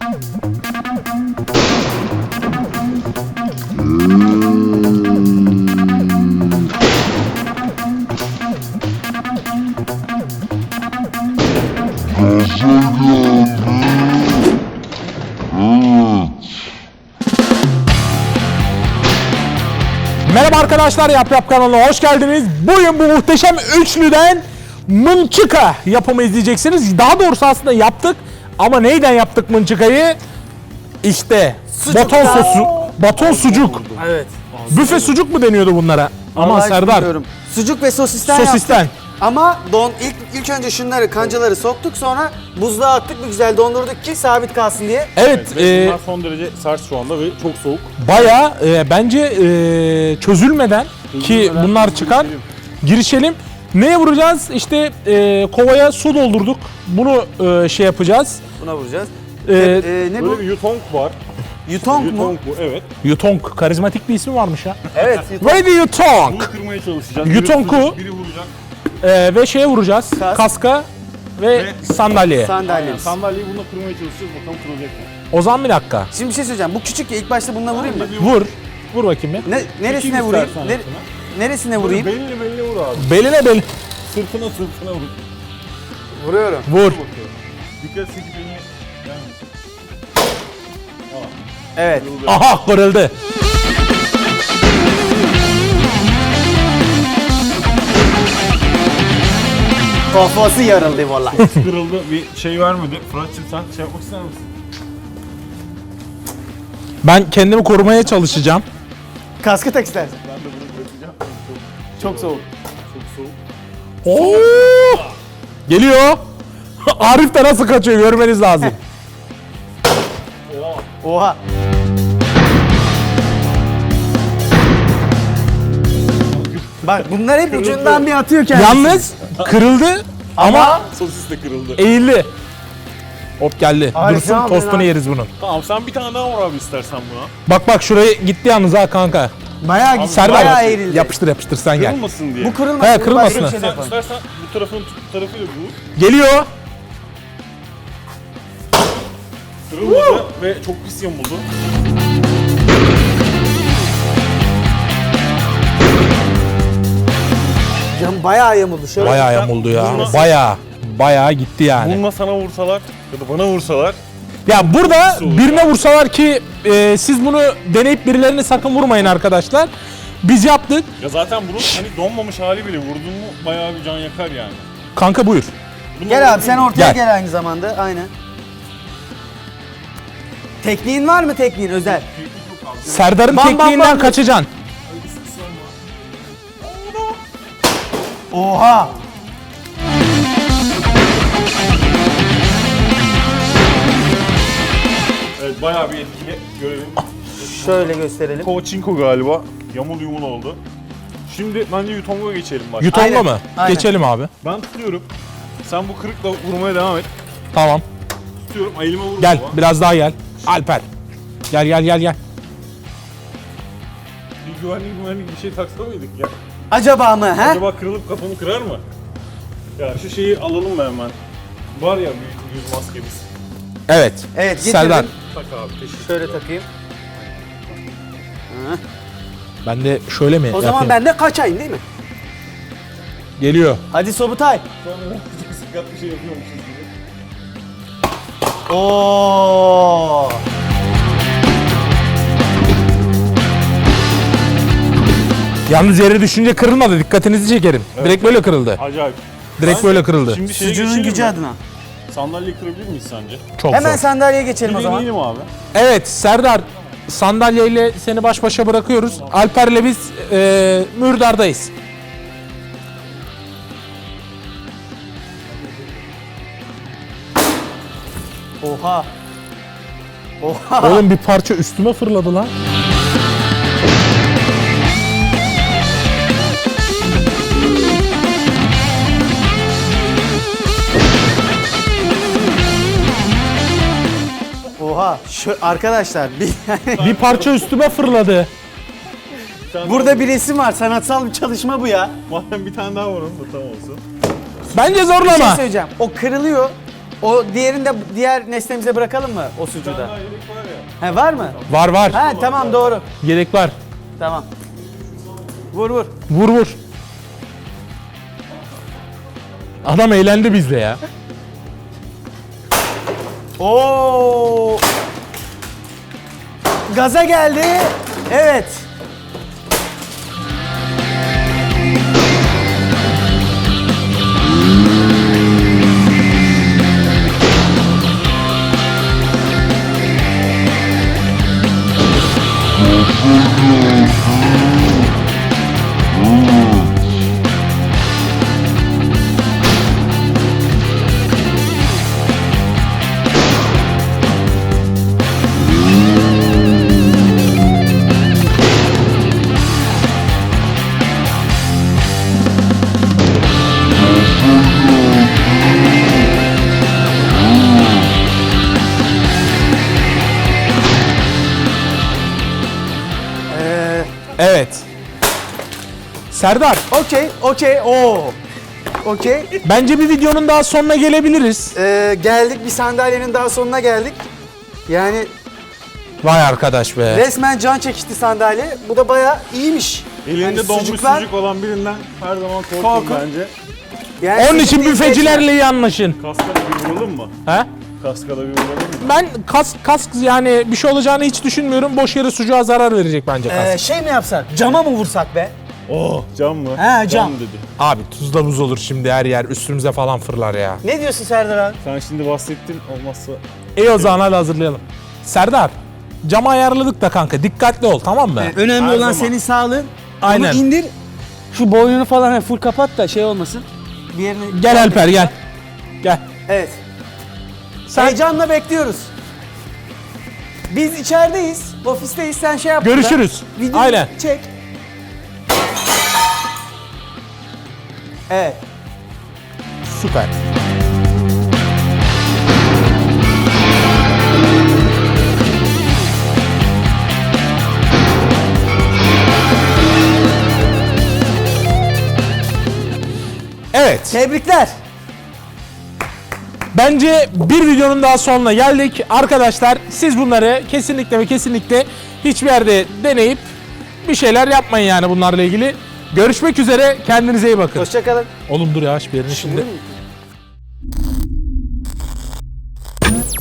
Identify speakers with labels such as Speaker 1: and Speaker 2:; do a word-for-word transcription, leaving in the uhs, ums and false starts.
Speaker 1: Merhaba arkadaşlar, Yap Yap kanalına hoş geldiniz. Bugün bu muhteşem üçlüden mınçıka yapımı izleyeceksiniz. Daha doğrusu aslında yaptık ama neyden yaptık mınçıkayı? İşte baton sosu, baton sucuk.
Speaker 2: Evet.
Speaker 1: Büfe sucuk mu deniyordu bunlara? Aman
Speaker 2: Vallahi
Speaker 1: Serdar.
Speaker 2: bilmiyorum. Sucuk ve sosisten,
Speaker 1: Sosisten.
Speaker 2: yaptık. Ama don ilk ilk önce şunları kancaları soktuk, sonra buzluğa attık, bir güzel dondurduk ki sabit kalsın diye.
Speaker 1: Evet,
Speaker 3: Ve
Speaker 1: e,
Speaker 3: bunlar son derece sert şu anda ve çok soğuk.
Speaker 1: bayağı e, bence e, çözülmeden ki
Speaker 3: Çözülmeden
Speaker 1: bunlar çıkar.
Speaker 3: girişelim.
Speaker 1: Girişelim. Neye vuracağız? İşte e, kovaya su doldurduk. Bunu e, şey yapacağız.
Speaker 2: Buna vuracağız.
Speaker 1: E,
Speaker 2: Ee, ne bu?
Speaker 3: Böyle bir yutong var.
Speaker 2: Yutong mu?
Speaker 3: Yutong bu, evet.
Speaker 1: Yutong. Karizmatik bir ismi varmış ya.
Speaker 2: Evet. Yutong.
Speaker 1: Ready Yutong.
Speaker 3: Bunu kırmaya çalışacağız.
Speaker 1: Yutong'u-
Speaker 3: Biri vuracak, biri vuracak.
Speaker 1: E, ve şeye vuracağız.
Speaker 2: Kas.
Speaker 1: Kaska ve,
Speaker 3: Ve-
Speaker 1: sandalyeye.
Speaker 3: Aynen,
Speaker 2: Sandalyemiz.
Speaker 3: sandalyeyi bununla kırmaya çalışacağız. Bakalım kırılacak mı?
Speaker 1: O zaman bir dakika.
Speaker 2: Şimdi bir şey söyleyeceğim. Bu küçük ya, ilk başta bununla vurayım mı?
Speaker 1: Vur. Vur bakayım bir.
Speaker 2: Ne, neresine
Speaker 3: Çekeyim
Speaker 2: vurayım?
Speaker 3: istersen
Speaker 2: Ne,
Speaker 3: altına.
Speaker 2: neresine vurayım?
Speaker 3: Beline beline vur abi.
Speaker 1: Beline bel.
Speaker 3: Sırtına sırtına vur.
Speaker 2: Vuruyorum.
Speaker 1: Vur.
Speaker 3: Bakıyorum. Dikkat et ki beni gelmesin.
Speaker 2: Evet.
Speaker 3: Kırıldı.
Speaker 1: Aha, kırıldı.
Speaker 2: Kafası yarıldı vallahi.
Speaker 3: Kırıldı, bir şey vermedi. Fırat'cığım sen şey yapmak ister misin?
Speaker 1: Ben kendimi korumaya çalışacağım.
Speaker 2: Kaskı tak istersen.
Speaker 3: Ben de bunu bırakacağım.
Speaker 2: Çok soğuk.
Speaker 3: Çok soğuk.
Speaker 1: Oo! Geliyor. Arif de nasıl kaçıyor görmeniz lazım.
Speaker 2: Oha. Bak bunlar hep ucundan bir atıyor kendisi.
Speaker 1: Yalnız kırıldı ama
Speaker 3: Sosis de kırıldı.
Speaker 1: eğildi. Hop geldi.
Speaker 2: Harika
Speaker 1: Dursun,
Speaker 2: abi,
Speaker 1: tostunu
Speaker 2: abi.
Speaker 1: yeriz bunun.
Speaker 3: Tamam sen bir tane daha vur abi istersen buna.
Speaker 1: Bak bak şuraya gitti yalnız ha kanka.
Speaker 2: Bayağı gitti.
Speaker 1: Serdar
Speaker 2: Bayağı eğrildi.
Speaker 1: yapıştır yapıştır sen gel.
Speaker 3: Kırılmasın diye.
Speaker 2: Bu kırılmasın.
Speaker 1: He,
Speaker 2: bu
Speaker 1: kırılmasın.
Speaker 2: başka bir şey de
Speaker 3: Sen
Speaker 2: yapalım.
Speaker 3: istersen bu tarafın tut tarafıyla vur.
Speaker 1: Geliyor.
Speaker 3: Kırılmadı ve çok pis yamuldu.
Speaker 2: Cam bayağı yamuldu. Şöyle.
Speaker 1: Bayağı yamuldu ya.
Speaker 3: Bununla-
Speaker 1: Bayağı. Bayağı gitti yani.
Speaker 3: Bununla sana vursalar ya da bana vursalar
Speaker 1: Ya burada
Speaker 3: Nasıl olur
Speaker 1: birine vursalar ki e, siz bunu deneyip birilerini sakın vurmayın arkadaşlar. Biz yaptık.
Speaker 3: ya zaten bunun hani donmamış hali bile vurdun mu bayağı bir can yakar yani.
Speaker 1: Kanka buyur.
Speaker 3: Bunu
Speaker 2: Gel abi sen ortaya
Speaker 1: Gel.
Speaker 2: gel aynı zamanda. Aynen. Tekniğin var mı tekniğin özel?
Speaker 1: Serdar'ın
Speaker 2: Bam, bam,
Speaker 1: tekniğinden
Speaker 2: bam.
Speaker 1: kaçacaksın.
Speaker 2: Oha.
Speaker 3: Evet bayağı bir etkili görelim.
Speaker 2: Şöyle gösterelim.
Speaker 3: Koçinko galiba. Yamul yumul oldu. Şimdi bence Yutong'a geçelim bak.
Speaker 1: Yutonga
Speaker 2: Aynen,
Speaker 1: mı?
Speaker 2: aynen.
Speaker 1: Geçelim abi.
Speaker 3: Ben tutuyorum. Sen bu kırıkla vurmaya devam et.
Speaker 1: Tamam.
Speaker 3: Tutuyorum. Elime vurma.
Speaker 1: Gel
Speaker 3: baba.
Speaker 1: biraz daha gel. Alper. Gel gel gel gel.
Speaker 3: Bir güvenlik güvenlik bir şey taksa mıydık ya?
Speaker 2: Acaba mı he?
Speaker 3: Acaba kırılıp kafamı kırar mı? Ya şu şeyi alalım mı hemen? Var ya bir yüz maskemiz.
Speaker 1: Evet.
Speaker 2: Evet getirdim.
Speaker 1: Serdar.
Speaker 3: Tak abi teşekkür
Speaker 2: Şöyle takayım. Hı.
Speaker 1: Ben de şöyle mi
Speaker 2: O
Speaker 1: yapayım?
Speaker 2: zaman ben de kaçayım değil mi?
Speaker 1: Geliyor.
Speaker 2: Hadi Sobutay.
Speaker 3: Sonra sıkat bir şey yapıyormuşuz gibi.
Speaker 2: Oo.
Speaker 1: Yalnız yere düşünce kırılmadı. Dikkatinizi çekerim. Direkt böyle kırıldı.
Speaker 3: Acayip.
Speaker 1: Direkt
Speaker 3: Bence
Speaker 1: böyle kırıldı.
Speaker 3: Şimdi şeye
Speaker 2: Sucuğun
Speaker 3: geçelim
Speaker 2: gücü
Speaker 3: mi?
Speaker 2: adına.
Speaker 3: Sandalyeyi kırabilir miyiz sence?
Speaker 1: Çok
Speaker 2: Hemen
Speaker 1: zor.
Speaker 2: sandalyeye geçelim o
Speaker 3: Bir
Speaker 2: zaman.
Speaker 3: deneyelim abi.
Speaker 1: Evet Serdar. Sandalyeyle seni baş başa bırakıyoruz. Alper'le biz e, mürdardayız.
Speaker 2: Oha. Oha.
Speaker 1: Oğlum bir parça üstüme fırladı lan.
Speaker 2: Oha. Şu, arkadaşlar bir,
Speaker 1: Bir parça üstüme fırladı.
Speaker 2: burada bir resim var. Sanatsal bir çalışma bu ya.
Speaker 3: Madem bir tane daha var onun da tam olsun.
Speaker 1: Bence
Speaker 2: Bir şey
Speaker 1: zorlama.
Speaker 2: söyleyeceğim. O kırılıyor. O diğerini de diğer nesnemize bırakalım mı o sucuğu da?
Speaker 3: Daha yedek var ya.
Speaker 2: He var mı?
Speaker 1: Var var.
Speaker 2: Ha tamam doğru.
Speaker 1: Yedek var.
Speaker 2: Tamam. Vur vur.
Speaker 1: Vur vur. Adam eğlendi bizde ya.
Speaker 2: Oo! Gaza geldi. Evet.
Speaker 1: Evet. Serdar,
Speaker 2: Okey, okey. Oo. Okey.
Speaker 1: bence bir videonun daha sonuna gelebiliriz.
Speaker 2: Ee, geldik bir sandalyenin daha sonuna geldik. Yani
Speaker 1: Vay arkadaş be.
Speaker 2: resmen can çekişti sandalye. Bu da bayağı iyiymiş.
Speaker 3: Elinde
Speaker 2: Yani
Speaker 3: donmuş
Speaker 2: sucuklar-
Speaker 3: sucuk olan birinden her zaman korkun,
Speaker 2: Korkun.
Speaker 3: bence.
Speaker 2: Yani
Speaker 1: Onun için
Speaker 2: sucuk değil,
Speaker 1: büfecilerle iyi anlaşın.
Speaker 3: Kaskada bir vuralım mı?
Speaker 1: He?
Speaker 3: Kaskada bir vuralım mı?
Speaker 1: Ben kask, kask yani bir şey olacağını hiç düşünmüyorum. Boş yere sucuğa zarar verecek bence kask.
Speaker 2: Ee, şey mi yapsak? Cama mı vursak be?
Speaker 3: Oh, cam mı?
Speaker 2: He, cam.
Speaker 3: dedi.
Speaker 1: Abi tuzla buz olur şimdi her yer üstümüze falan fırlar ya.
Speaker 2: Ne diyorsun Serdar abi?
Speaker 3: Sen şimdi bahsettin, olmazsa
Speaker 1: İyi o zaman hadi hazırlayalım. Serdar, camı ayarladık da kanka dikkatli ol tamam mı?
Speaker 2: Önemli
Speaker 3: Her
Speaker 2: olan
Speaker 3: zaman.
Speaker 2: senin sağlığın.
Speaker 1: Aynen.
Speaker 2: Onu indir. Şu boynunu falan hani full kapat da şey olmasın. Bir yerine...
Speaker 1: Gel Alper gel. Gel.
Speaker 2: Evet.
Speaker 1: Sen
Speaker 2: Heyecanla bekliyoruz. Biz içerideyiz. Ofisteyiz. Sen şey yap.
Speaker 1: görüşürüz.
Speaker 2: burada. Videoyu
Speaker 1: Aynen.
Speaker 2: çek. Evet.
Speaker 1: Süper. Evet.
Speaker 2: Tebrikler.
Speaker 1: Bence bir videonun daha sonuna geldik. Arkadaşlar siz bunları kesinlikle ve kesinlikle hiçbir yerde deneyip bir şeyler yapmayın yani bunlarla ilgili. Görüşmek üzere. Kendinize iyi bakın.
Speaker 2: Hoşça kalın.
Speaker 1: Oğlum dur yavaş bir yerini şimdi.
Speaker 2: Değil mi?